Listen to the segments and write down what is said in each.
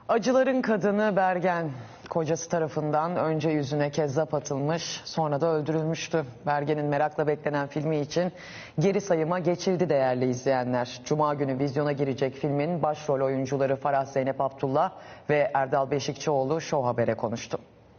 Acıların kadını Bergen, kocası tarafından önce yüzüne kezzap atılmış, sonra da öldürülmüştü. Bergen'in merakla beklenen filmi için geri sayıma geçildi değerli izleyenler. Cuma günü vizyona girecek filmin başrol oyuncuları Farah Zeynep Abdullah ve Erdal Beşikçioğlu Show Haber'e konuştu.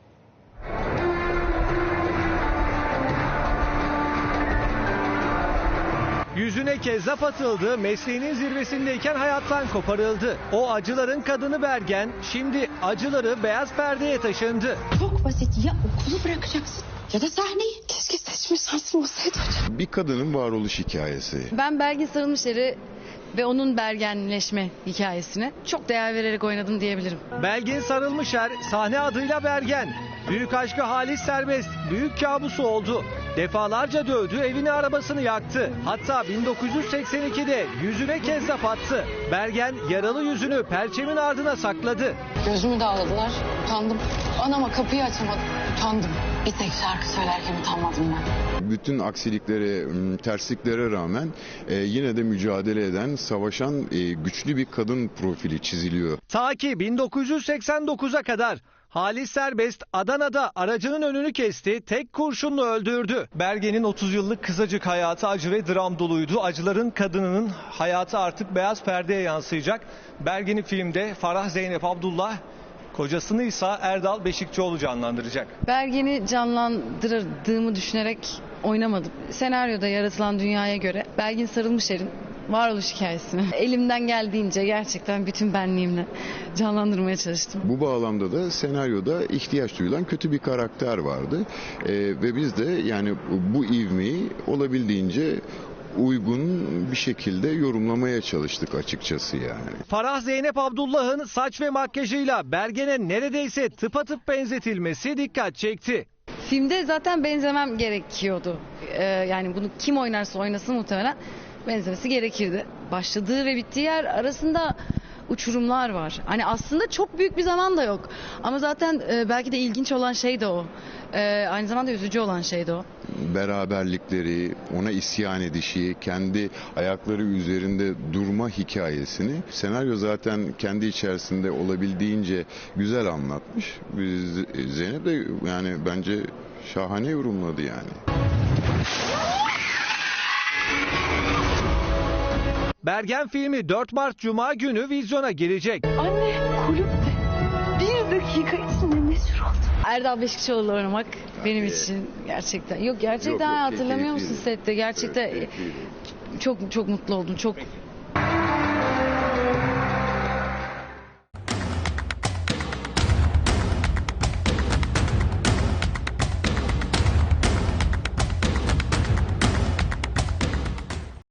Yüzüne kezzap atıldı, mesleğinin zirvesindeyken hayattan koparıldı. O acıların kadını Bergen, şimdi acıları beyaz perdeye taşındı. Çok basit, ya okulu bırakacaksın ya da sahneyi. Keşke seçme şansım olsaydı hocam. Bir kadının varoluş hikayesi. Ben Belgin Sarılmışer'i ve onun bergenleşme hikayesine çok değer vererek oynadım diyebilirim. Belgin Sarılmışer, sahne adıyla Bergen. Büyük aşkı Halis Serbest, büyük kabusu oldu. Defalarca dövdü, evini arabasını yaktı. Hatta 1982'de yüzüne kezzap attı. Bergen yaralı yüzünü perçemin ardına sakladı. Gözümü dağladılar, utandım. Anama kapıyı açamadım, utandım. Bir tek şarkı söylerken utanmadım ben. Bütün aksiliklere, tersliklere rağmen yine de mücadele eden, savaşan güçlü bir kadın profili çiziliyor. Ta ki 1989'a kadar Halis Serbest Adana'da aracının önünü kesti, tek kurşunla öldürdü. Bergen'in 30 yıllık kısacık hayatı acı ve dram doluydu. Acıların kadınının hayatı artık beyaz perdeye yansıyacak. Bergen'i filmde Farah Zeynep Abdullah, kocasını ise Erdal Beşikçioğlu canlandıracak. Bergen'i canlandırdığımı düşünerek oynamadım. Senaryoda yaratılan dünyaya göre Belgin Sarılmışer'in varoluş hikayesini elimden geldiğince gerçekten bütün benliğimle canlandırmaya çalıştım. Bu bağlamda da senaryoda ihtiyaç duyulan kötü bir karakter vardı. Ve biz de yani bu ivmeyi olabildiğince uygun bir şekilde yorumlamaya çalıştık açıkçası yani. Farah Zeynep Abdullah'ın saç ve makyajıyla Bergen'e neredeyse tıpatıp benzetilmesi dikkat çekti. Filmde zaten benzemem gerekiyordu. Yani bunu kim oynarsa oynasın muhtemelen benzemesi gerekirdi. Başladığı ve bittiği yer arasında uçurumlar var. Hani aslında çok büyük bir zaman da yok. Ama zaten belki de ilginç olan şey de o. Aynı zamanda üzücü olan şey de o. Beraberlikleri, ona isyan edişi, kendi ayakları üzerinde durma hikayesini senaryo zaten kendi içerisinde olabildiğince güzel anlatmış. Zeynep de yani bence şahane yorumladı yani. Bergen filmi 4 Mart Cuma günü vizyona girecek. Anne, kulüpte 1 dakika içinde meşhur oldum. Erdal Beşikçioğlu oynamak benim için gerçekten. Yok gerçekten Yok, hatırlamıyor musun keyifliydi. sette? Gerçekten Evet, keyifliydi. çok mutlu oldum. Çok